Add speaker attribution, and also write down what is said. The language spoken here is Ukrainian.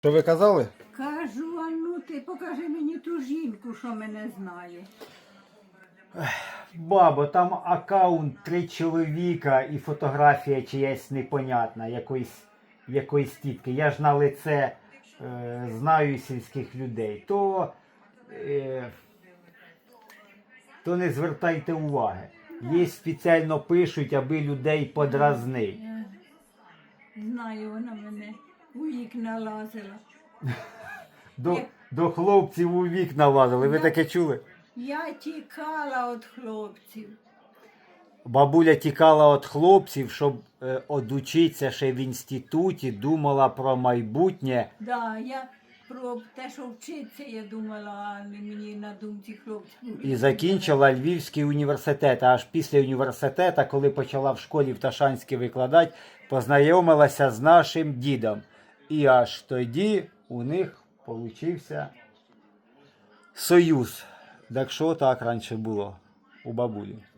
Speaker 1: Що ви казали?
Speaker 2: Кажу, а ну ти покажи мені ту жінку, що мене знає.
Speaker 3: Бабо, там аккаунт 3 чоловіка і фотографія чиясь непонятна, якоїсь тітки. Я ж на лице знаю сільських людей. То не звертайте уваги. Є спеціально пишуть, аби людей подразнити.
Speaker 2: Знаю, вона мене у вікна лазила.
Speaker 3: До хлопців у вікна лазили. Ви таке чули?
Speaker 2: Я тікала від хлопців.
Speaker 3: Бабуля тікала від хлопців, щоб одучитися ще в інституті, думала про майбутнє.
Speaker 2: Да, я про те, що вчитися, я думала, а не мені на думці хлопців.
Speaker 3: І закінчила Львівський університет. А аж після університету, коли почала в школі в Ташанській викладати, познайомилася з нашим дідом. І аж тоді у них получився союз. Так що так раніше було у бабулі.